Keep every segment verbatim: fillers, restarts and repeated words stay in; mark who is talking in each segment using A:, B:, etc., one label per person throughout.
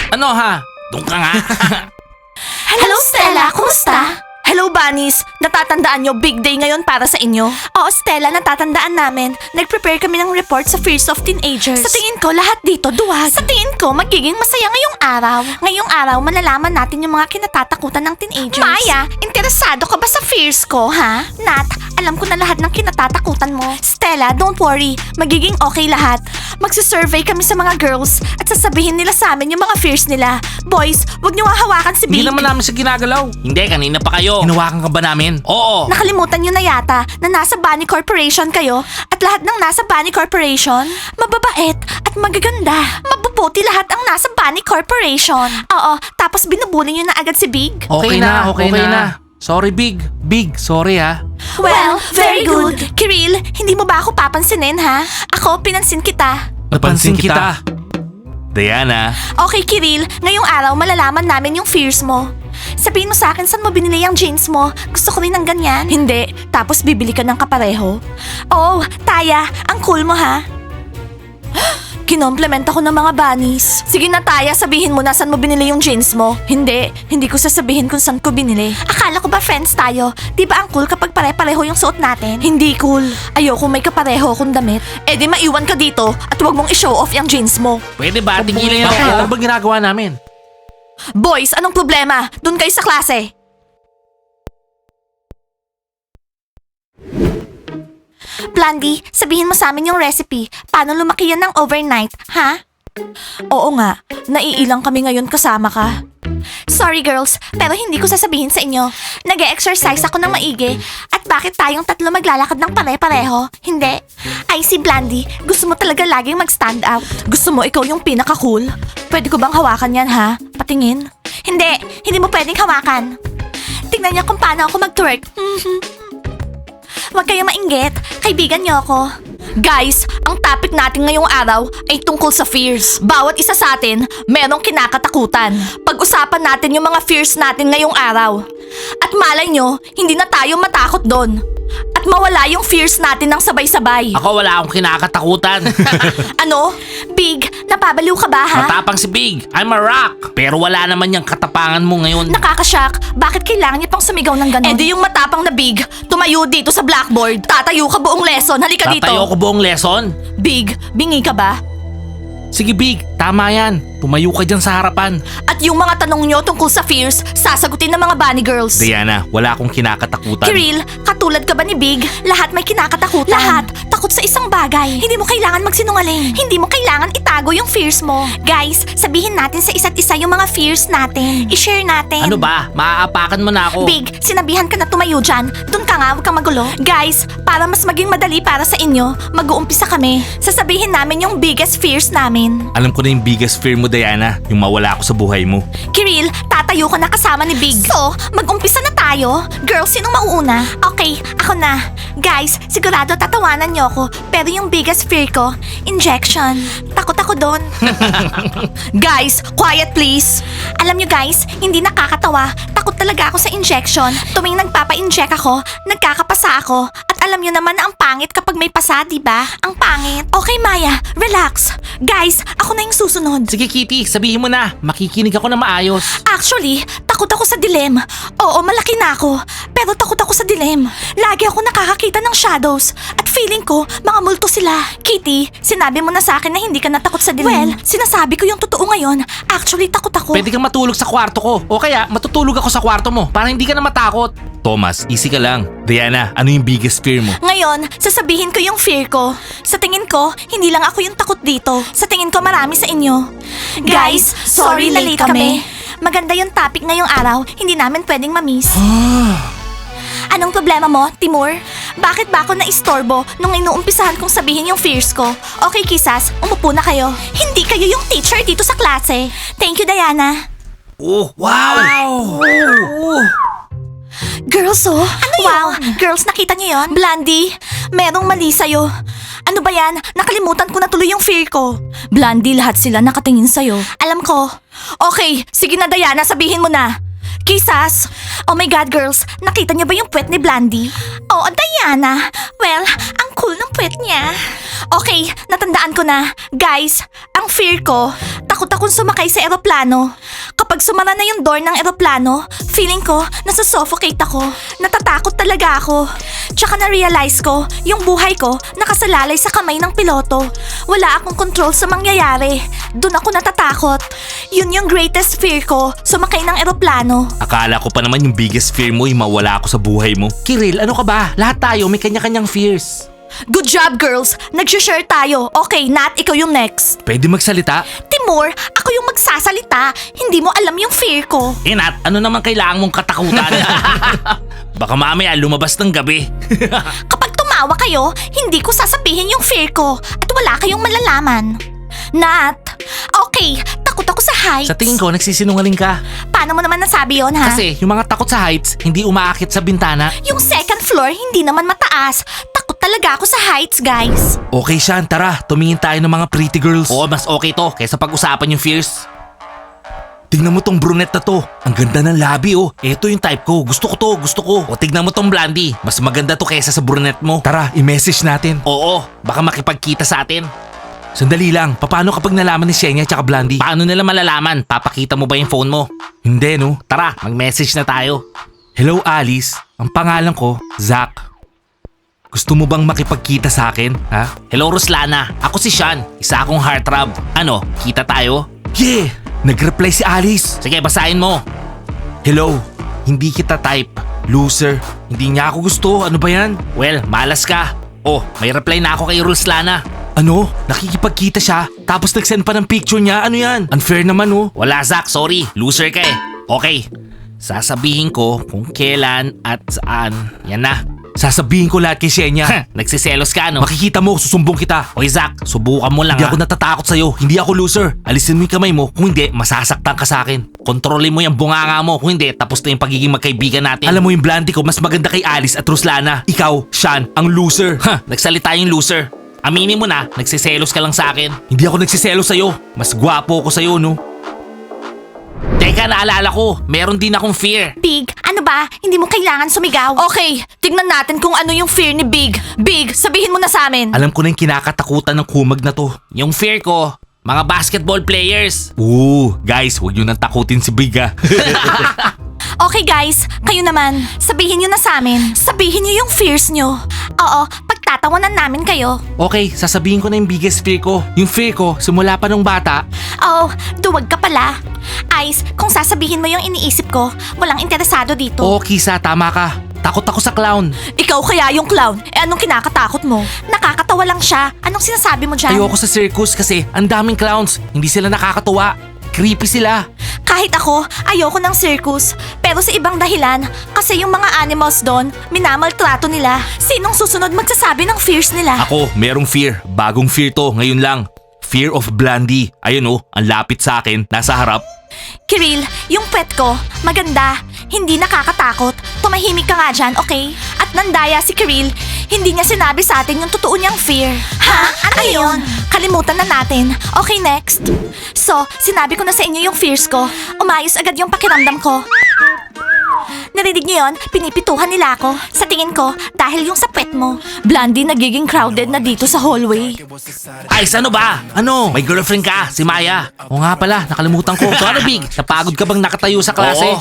A: Ano ha? Doon ka nga.
B: Hello, Stella! Kumusta? Hello, Bunnies! Natatandaan nyo, big day ngayon para sa inyo? Oo, Stella, natatandaan namin. Nag-prepare kami ng report sa Fears of Teenagers. Sa tingin ko, lahat dito duwag. Sa tingin ko, magiging masaya ngayong araw. Ngayong araw, malalaman natin yung mga kinatatakutan ng teenagers. Maya, interesado ka ba sa fears ko, ha? Nat, alam ko na lahat ng kinatatakutan mo. Stella, don't worry. Magiging okay lahat. Magsisurvey kami sa mga girls at sasabihin nila sa amin yung mga fears nila. Boys, wag niyo hahawakan si Big.
A: Hindi naman namin siya ginagalaw. Hindi, kanina pa kayo. Hinawakan ka ba namin? Oo.
B: Nakalimutan nyo na yata na nasa Bunny Corporation kayo at lahat ng nasa Bunny Corporation, mababait at magaganda. Mabubuti lahat ang nasa Bunny Corporation. Oo, tapos binubuli nyo na agad si Big.
A: Okay, na, okay, na. Sorry, Big. Big, sorry ha.
B: Well, very good. Kiril, hindi mo ba ako papansinin ha? Ako, pinansin kita.
A: Napansin kita. Diana.
B: Okay, Kiril, ngayong araw malalaman namin yung fears mo. Sabihin mo sa akin saan mo binili yung jeans mo. Gusto ko rin ng ganyan. Hindi. Tapos bibili ka ng kapareho. Oh, Taya, ang cool mo ha. Kinomplement ako ng mga bunnies. Sige na, Taya, sabihin mo na saan mo binili yung jeans mo. Hindi. Hindi ko sasabihin kung saan ko binili. Akala ko ba friends tayo? Di ba ang cool kapag pare-pareho yung suot natin? Hindi cool. Ayoko may kapareho akong damit. Eh di maiwan ka dito at huwag mong i-show off yung jeans mo.
A: Pwede ba? Tigilan niyo na. Ano ba ginagawa namin?
B: Boys, anong problema? Doon kayo sa klase. Blondie, sabihin mo sa amin yung recipe. Paano lumaki yan ng overnight, ha? Oo nga, naiilang kami ngayon kasama ka. Sorry girls, pero hindi ko sasabihin sa inyo. Nag-e-exercise ako ng maigi. At bakit tayong tatlo maglalakad ng pare-pareho? Hindi. Ay si Blondie, gusto mo talaga laging mag-stand out. Gusto mo ikaw yung pinaka-cool? Pwede ko bang hawakan yan ha? Patingin? Hindi, hindi mo pwedeng hawakan. Tingnan niya kung paano ako mag-twerk. Huwag kayong mainggit. Kaibigan niyo ako. Guys, ang topic natin ngayong araw ay tungkol sa fears. Bawat isa sa atin, merong kinakatakutan. Pag-usapan natin yung mga fears natin ngayong araw. At malay nyo, hindi na tayo matakot doon. At mawala yung fears natin ng sabay-sabay.
A: Ako wala akong kinakatakutan.
B: Ano? Big, napabaliw ka ba ha?
A: Matapang si Big. I'm a rock. Pero wala naman yung katapangan mo ngayon.
B: Nakakashock. Bakit kailangan niya pang sumigaw ng ganon? Eh di yung matapang na Big, tumayo dito sa blackboard. Tatayo ka buong lesson. Halika dito.
A: Tatayo ko buong lesson?
B: Big, bingi ka ba?
A: Sige Big, tama yan. Tumayo ka dyan sa harapan.
B: At yung mga tanong nyo tungkol sa fears, sasagutin ng mga bunny girls.
A: Diana, wala akong kinakatakutan.
B: Kiril, katulad ka ba ni Big? Lahat may kinakatakutan. Lahat, takot sa isang bagay. Hindi mo kailangan magsinungaling. Hindi mo kailangan itago yung fears mo. Guys, sabihin natin sa isa't isa yung mga fears natin. I-share natin.
A: Ano ba? Maaapakan mo na ako.
B: Big, sinabihan ka na tumayo dyan. Doon ka nga, huwag kang magulo. Guys, para mas maging madali para sa inyo, mag-uumpisa kami. Sasabihin namin yung biggest fears namin.
A: Alam ko na yung biggest fear mo, Diana. Yung mawala ako sa buhay mo.
B: Kiril, tatayo ka na kasama ni Big. So, mag-umpisa na tayo. Girls, sinong mauuna? Okay, ako na. Guys, sigurado tatawanan niyo ako. Pero yung biggest fear ko, injection. Takot ako doon. Guys, quiet please. Alam niyo guys, hindi nakakatawa. Takot talaga ako sa injection. Tuwing nagpapa-inject ako, nagkakapasa ako. At alam niyo naman na ang pangit kapag may pasa, di ba? Ang pangit. Okay, Maya, relax. Guys, ako na yung susunod.
A: Sige Kitty, sabihin mo na. Makikinig ako na maayos.
B: Actually, takot ako sa dilim. Oo, malaki na ako. Pero takot ako sa dilim. Lagi ako nakakakita ng shadows. At feeling ko, mga multo sila. Kitty, sinabi mo na sa akin na hindi ka natakot sa dilim. Well, sinasabi ko yung totoo ngayon. Actually, takot ako.
A: Pwede kang matulog sa kwarto ko. O kaya, matutulog ako sa kwarto mo para hindi ka na matakot. Thomas, easy ka lang. Diana, ano yung biggest fear mo?
B: Ngayon, sasabihin ko yung fear ko. Sa tingin ko, hindi lang ako yung takot dito. Sa tingin ko, marami sa inyo. Guys, sorry na late kami. Maganda yung topic ngayong araw. Hindi namin pwedeng mamiss. Anong problema mo, Timur? Bakit ba ako na-istorbo nung inuumpisahan kong sabihin yung fears ko? Okay, kisas, umupo na kayo. Hindi kayo yung teacher dito sa klase. Thank you, Diana.
A: Oh, wow! Oh.
B: Girls, oh. Ano wow, girls, nakita niyo yon? Blondie, merong mali sa'yo. Ano ba yan? Nakalimutan ko na tuloy yung fear ko. Blondie, lahat sila nakatingin sa'yo. Alam ko. Okay, sige na Diana, sabihin mo na. Kisas! Oh my God, girls, nakita niyo ba yung puwet ni Blondie? Oo, Diana. Well, ang cool ng puwet niya. Okay, natandaan ko na. Guys, ang fear ko, takot Takot akong sumakay sa eroplano. Kapag sumara na yung door ng eroplano, feeling ko nasusuffocate ako. Natatakot talaga ako. Tsaka na-realize ko, yung buhay ko nakasalalay sa kamay ng piloto. Wala akong control sa mangyayari. Doon ako natatakot. Yun yung greatest fear ko, sumakay ng eroplano.
A: Akala ko pa naman yung biggest fear mo yung mawala ako sa buhay mo. Kiril, ano ka ba? Lahat tayo may kanya-kanyang fears.
B: Good job, girls! Nag-share tayo. Okay, Nat, ikaw yung next.
A: Pwede magsalita?
B: Timur, ako yung magsasalita. Hindi mo alam yung fear ko.
A: Eh Nat, ano naman kailangan mong katakutan? Baka mamaya lumabas ng gabi.
B: Kapag tumawa kayo, hindi ko sasabihin yung fear ko at wala kayong malalaman. Nat, okay, takot ako sa heights.
A: Sa tingin ko, nagsisinungaling ka.
B: Paano mo naman nasabi yon, ha?
A: Kasi yung mga takot sa heights, hindi umaakit sa bintana.
B: Yung second floor, hindi naman mataas. Takot talaga ako sa heights, guys.
A: Okay, Sean, tara. Tumingin tayo ng mga pretty girls. Oo, mas okay to kaysa pag-usapan yung fears. Tingnan mo tong brunette na to. Ang ganda ng labi, oh. Ito yung type ko. Gusto ko to, gusto ko. O tignan mo tong blondie. Mas maganda to kaysa sa brunette mo. Tara, i-message natin. Oo, baka makipagkita sa atin. Sandali lang, paano kapag nalaman ni Shenya at Blondie? Paano nila malalaman? Papakita mo ba yung phone mo? Hindi, no? Tara, mag-message na tayo. Hello, Alice. Ang pangalan ko, Zach. Gusto mo bang makipagkita sa akin, ha? Hello, Ruslana. Ako si Sean. Isa akong heartthrob. Ano, kita tayo? Yeah! Nag-reply si Alice. Sige, basahin mo. Hello, hindi kita type. Loser. Hindi niya ako gusto. Ano ba yan? Well, malas ka. Oh, may reply na ako kay Ruslana. Ano? Nakikipagkita siya? Tapos nag-send pa ng picture niya? Ano yan? Unfair naman, oh. Wala, Zach. Sorry. Loser ka eh. Okay. Sasabihin ko kung kailan at saan. Yan na. Sasabihin ko lahat kay Shenya. Nagsiselos ka, no? Makikita mo, susumbong kita. Oy, Zach, subukan mo lang,
B: Ah.
A: Hindi ako natatakot sa'yo. Hindi ako loser. Alisin mo yung kamay mo. Kung hindi, masasaktan ka sa akin. Kontrolin mo yung bunganga mo. Kung hindi, tapos na yung pagiging magkaibigan natin. Alam mo yung blondie ko, mas maganda kay Alice at Ruslana. Ikaw, Sean, ang loser. Ha, nagsalita yung loser. Aminin mo na, nagsiselos ka lang sa akin. Hindi ako nagsiselos sa'yo. Mas gwapo ako sa'yo, no? Teka, naalala ko. Meron din akong fear.
B: Big, ano ba? Hindi mo kailangan sumigaw. Okay, tignan natin kung ano yung fear ni Big. Big, sabihin mo na sa amin.
A: Alam ko na yung kinakatakutan ng kumag na to. Yung fear ko, mga basketball players. Ooh, guys, huwag nyo nang takutin si Big, ah.
B: Okay guys, kayo naman. Sabihin nyo na sa amin. Sabihin nyo yung fears nyo. Oo, pagtatawanan namin kayo.
A: Okay, sasabihin ko na yung biggest fear ko. Yung fear ko, simula pa nung bata.
B: Oh, duwag ka pala. Ice, kung sasabihin mo yung iniisip ko, walang interesado dito.
A: Oo, Kisa, tama ka. Takot ako sa clown.
B: Ikaw kaya yung clown. Eh anong kinakatakot mo? Nakakatawa lang siya. Anong sinasabi mo dyan?
A: Ayoko sa circus kasi ang daming clowns. Hindi sila nakakatuwa. Creepy sila.
B: Kahit ako, ayoko ng circus. Pero sa ibang dahilan, kasi yung mga animals doon, minamaltrato nila. Sinong susunod magsasabi ng fears nila?
A: Ako, merong fear. Bagong fear to, ngayon lang. Fear of Blondie. Ayun oh, ang lapit sa akin, nasa harap.
B: Kiril, yung pet ko, maganda. Hindi nakakatakot. Tumahimik ka nga dyan, okay? At nandaya si Kiril, hindi niya sinabi sa atin yung totoo niyang fear. Ha? Ano yun? Kalimutan na natin. Okay, next. So, sinabi ko na sa inyo yung fears ko. Umayos agad yung pakiramdam ko. Narinig niyo yun? Pinipituhan nila ako. Sa tingin ko, dahil yung sa pet mo. Blondie, nagiging crowded na dito sa hallway.
A: Ay, ano ba? Ano? May girlfriend ka, si Maya. O nga pala, nakalimutan ko. So ano, Big? Napagod ka bang nakatayo sa klase?
B: Oh.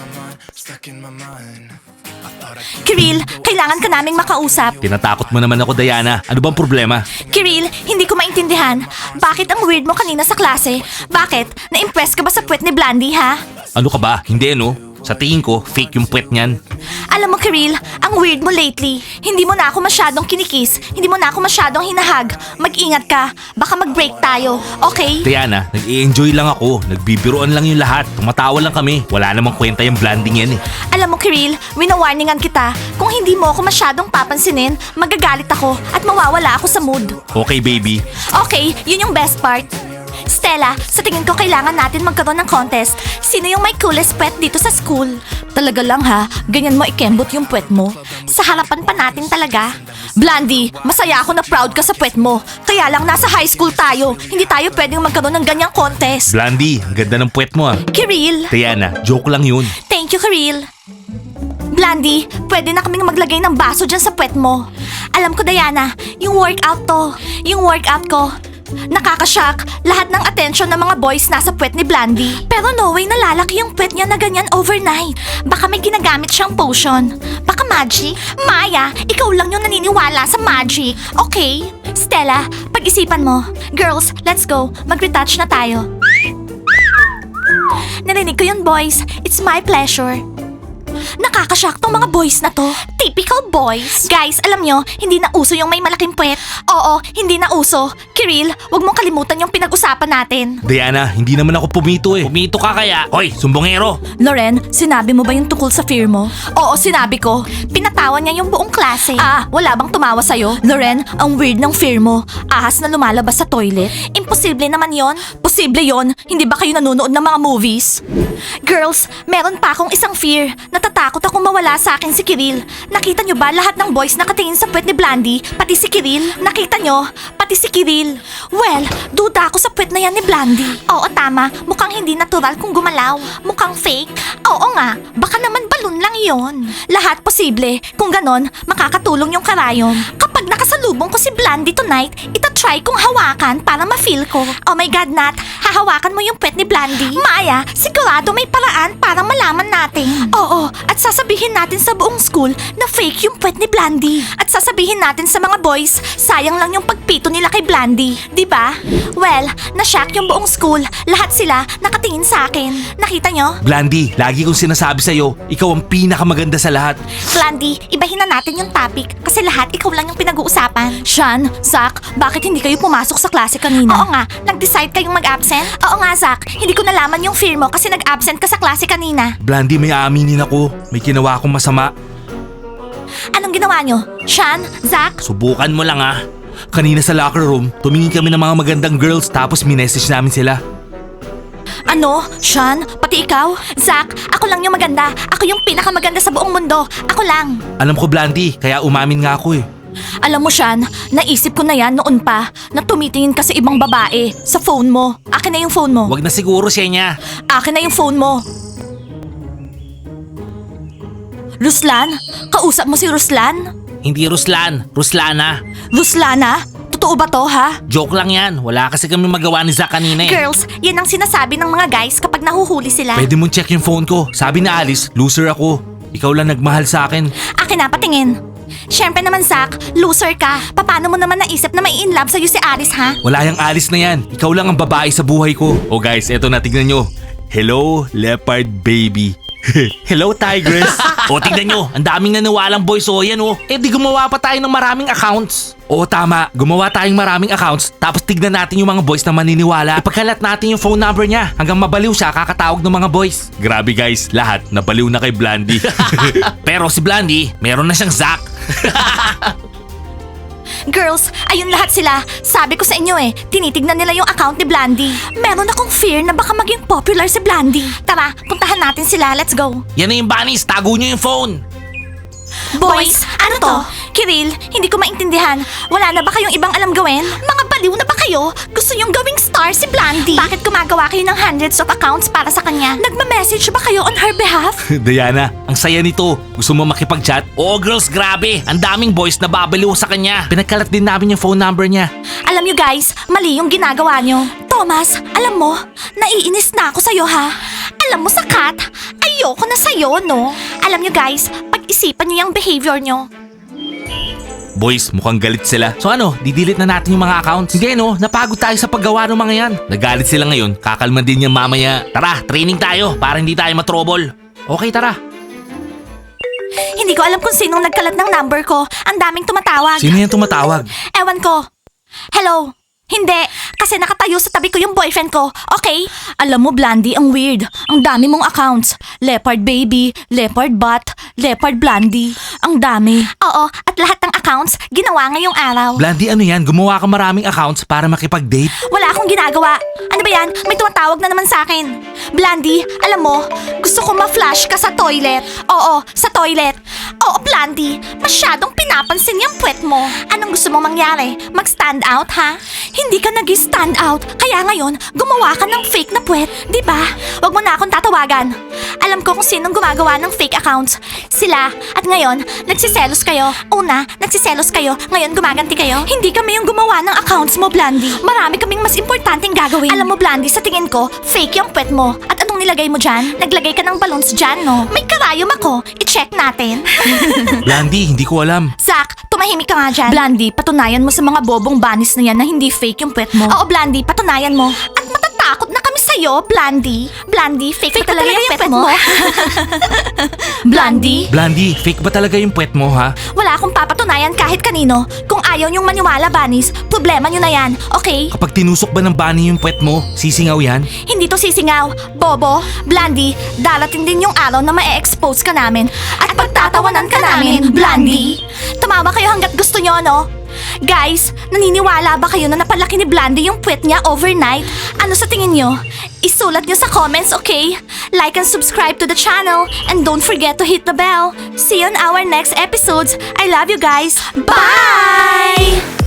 B: Kiril, kailangan ka naming makausap.
A: Tinatakot mo naman ako, Diana. Ano bang problema?
B: Kiril, hindi ko maintindihan. Bakit ang weird mo kanina sa klase? Bakit? Na-impress ka ba sa puwet ni Blondie, ha?
A: Ano ka ba? Hindi, no? Sa tingin ko, fake yung puwet niyan.
B: Alam mo, Kiril, ang weird mo lately. Hindi mo na ako masyadong kinikis. Hindi mo na ako masyadong hinahag. Mag-ingat ka. Baka mag-break tayo. Okay?
A: Diana, nag-i-enjoy lang ako. Nagbibiroan lang yung lahat. Tumatawa lang kami. Wala namang kwenta yung blanding yan eh.
B: Alam mo, Kiril, winawarningan kita. Kung hindi mo ako masyadong papansinin, magagalit ako at mawawala ako sa mood.
A: Okay, baby.
B: Okay, yun yung best part. Stella, sa tingin ko kailangan natin magkaroon ng contest. Sino yung may coolest pet dito sa school? Talaga lang ha, ganyan mo ikembot yung pet mo. Sa harapan pa natin talaga. Blondie, masaya ako na proud ka sa pet mo. Kaya lang nasa high school tayo. Hindi tayo pwedeng magkaroon ng ganyang contest.
A: Blondie, ang ganda ng puwet mo ah.
B: Kiril,
A: Diana, joke lang yun.
B: thank you Kiril. Blondie, pwede na kaming maglagay ng baso dyan sa puwet mo. Alam ko Diana, yung workout to. Yung workout ko. Nakakashock, lahat ng attention ng mga boys nasa puwet ni Blandy. Pero no way nalalaki yung puwet niya na ganyan overnight. Baka may ginagamit siyang potion. Baka magic? Maya, ikaw lang yung naniniwala sa magic. Okay? Stella, pag-isipan mo. Girls, let's go. Mag-retouch na tayo. Narinig ko yun, boys. It's my pleasure. Nakakashock tong mga boys na to. Typical boys. Guys, alam nyo, hindi na uso yung may malaking puwet. Oo, hindi na uso. Kiril, wag mong kalimutan yung pinag-usapan natin.
A: Diana, hindi naman ako pumito eh. Pumito ka kaya? Hoy, sumbongero!
B: Loren, sinabi mo ba yung tungkol sa fear mo? Oo, sinabi ko. Pinatawan niya yung buong klase. Ah, wala bang tumawa sa'yo? Loren, ang weird ng fear mo. Ahas na lumalabas sa toilet. Imposible naman yon. Posible yon. Hindi ba kayo nanonood ng mga movies? Girls, meron pa akong isang fear. Natatakot akong mawala sa akin si Kiril. Nakita nyo ba lahat ng boys nakatingin sa puwet ni Blandy? Pati si Kiril? Nakita nyo? Pati si Kiril? Well, duda ako sa puwet na yan ni Blandy. Oo, tama. Mukhang hindi natural kung gumalaw. Mukhang fake. Oo nga, baka naman balon lang yon. Lahat posible. Kung ganon, makakatulong yung karayon. Kapag nakasalubong ko si Blandy tonight, itatry kong hawakan para ma-feel ko. Oh my God, Nat, hahawakan mo yung puwet ni Blandy? Maya, sigurado may paraan para malaman natin. Oo, at sasabihin natin sa buong school na fake yung puwet ni Blandy. At sasabihin natin sa mga boys, sayang lang yung pagpito nila kay Blandy. Di ba? Well, na-shock yung buong school. Lahat sila nakatingin sa akin. Nakita nyo?
A: Blandy, lagi kong sinasabi sa'yo, ikaw ang pinakamaganda sa lahat.
B: Blandy, ibahin na natin yung topic kasi lahat ikaw lang yung pinag-uusapan. Sean, Zach, bakit hindi kayo pumasok sa klase kanina? Oo nga, nag-decide kayong mag-absent? Oo nga, Zach, hindi ko nalaman yung fear mo kasi nag-absent ka sa klase kanina.
A: Blandy, may aaminin ako. May ginawa akong masama.
B: Anong ginawa nyo? Sean, Zach?
A: Subukan mo lang ah. Kanina sa locker room, tumingin kami ng mga magandang girls tapos minessage namin sila.
B: Ano? Sean? Pati ikaw? Zach, ako lang yung maganda. Ako yung pinakamaganda sa buong mundo. Ako lang.
A: Alam ko Blandy, kaya umamin nga ako eh.
B: Alam mo, Sean, naisip ko na yan noon pa na tumitingin ka sa ibang babae sa phone mo. Akin na yung phone mo.
A: Wag na siguro siya niya.
B: Akin na yung phone mo. Ruslan? Kausap mo si Ruslan?
A: Hindi Ruslan, Ruslana.
B: Ruslana? Totoo ba to, ha?
A: Joke lang yan. Wala kasi kami magawa ni Zach kanina eh.
B: Girls, yan ang sinasabi ng mga guys kapag nahuhuli sila.
A: Pwede mong check yung phone ko. Sabi na Alice, loser ako. Ikaw lang nagmahal sa akin.
B: Akin na, patingin. Siyempre naman, Zach, loser ka. Paano mo naman naisip na may in love sa'yo si Alice, ha?
A: Wala yung Alice na yan. Ikaw lang ang babae sa buhay ko. Oh guys, eto na, tignan nyo. Hello, leopard baby. Hello, tigress. O, tignan nyo. Ang daming naniwalang boys. O, yan o. Eh, di gumawa pa tayo ng maraming accounts. Oo, tama. Gumawa tayong maraming accounts. Tapos tignan natin yung mga boys na maniniwala. Ipagkalat natin yung phone number niya. Hanggang mabaliw siya kakatawag ng mga boys. Grabe guys, lahat nabaliw na kay Blandy. Pero si Blandy, meron na siyang Zach.
B: Girls, ayun lahat sila. Sabi ko sa inyo eh, tinitignan nila yung account ni Blandy. Meron akong fear na baka maging popular si Blandy. Tara, puntahan natin sila. Let's go.
A: Yan na yung bunnies. Tago nyo yung phone.
B: Boys, ano to? Kiril, hindi ko maintindihan. Wala na ba kayong ibang alam gawin? Mga baliw na ba kayo? Gusto niyong gawing star si Blandy? Bakit gumagawa kayo ng hundreds of accounts para sa kanya? Nagma-message ba kayo on her behalf?
A: Diana, ang saya nito. Gusto mo makipag-chat? Oo girls, grabe. Ang daming boys na babaliw sa kanya. Pinagkalat din namin yung phone number niya.
B: Alam niyo guys, mali yung ginagawa niyo. Thomas, alam mo, naiinis na ako sa'yo ha. Alam mo sakat, ayoko na sa'yo no. Alam niyo guys, pag-isipan niyo yung behavior niyo.
A: Boys, mukhang galit sila. So ano, didelete na natin yung mga accounts? Hindi no, napagod tayo sa paggawa ng mga yan. Nagalit sila ngayon, kakalma din yan mamaya. Tara, training tayo para hindi tayo matrobol. Okay, tara.
B: Hindi ko alam kung sinong nagkalat ng number ko. Ang daming tumatawag.
A: Sino yan tumatawag?
B: Ewan ko. Hello? Hindi, kasi nakatayo sa tabi ko yung boyfriend ko, okay? Alam mo, Blandy, ang weird. Ang dami mong accounts. Leopard baby, leopard bot, leopard Blandy. Ang dami. Oo, at lahat ng accounts ginawa ngayong araw.
A: Blandy, ano yan? Gumawa ka maraming accounts para makipag-date?
B: Wala akong ginagawa. Ano ba yan? May tumatawag na naman sa akin. Blandy, alam mo, gusto ko ma-flash ka sa toilet. Oo, sa toilet. Oo, Blandy. Masyadong pinapansin yung puwet mo. Anong gusto mong mangyari? Mag-stand out, ha? Hindi ka nag-stand out. Kaya ngayon, gumawa ka ng fake na puwet. Di ba? Huwag mo na akong tatawagan. Alam ko kung sinong gumagawa ng fake accounts. Sila. At ngayon, nagsiselos kayo. Una, nagsiselos kayo. Ngayon, gumaganti kayo. Hindi kami yung gumawa ng accounts mo, Blandy. Marami kaming mas importanteng gagawin. Alam mo, Blandy, sa tingin ko, fake yung puwet mo. At anong nilagay mo dyan? Naglagay ka ng balloons dyan, no? May karayom ako. I-check natin.
A: Blandy, hindi ko alam.
B: Zach, tumahimik ka nga dyan. Blandy, patunayan mo sa mga bobong banis na yan na hindi fake yung puwet mo. Oo, Blandy, patunayan mo. At matatakot na kami sa'yo, Blandy. Blandy, fake, fake ba talaga, yung puwet mo? Blandy?
A: Blandy, fake ba talaga yung puwet mo, ha?
B: Wala akong papatunayan kahit kanino. Kung ayaw niyong maniwala, Banis, problema niyo na yan, okay?
A: Kapag tinusok ba ng bunny yung puwet mo, sisingaw yan?
B: Hindi to sisingaw. Bobo, Blandy, darating din yung araw na ma-expose ka namin. At pagtatawanan ka namin, Blandy. Tumawa kayo hanggat gusto nyo, no? Guys, naniniwala ba kayo na napalaki ni Blandy yung puwet niya overnight? Ano sa tingin nyo? Isulat nyo sa comments, okay? Like and subscribe to the channel. And don't forget to hit the bell. See you on our next episodes. I love you guys. Bye!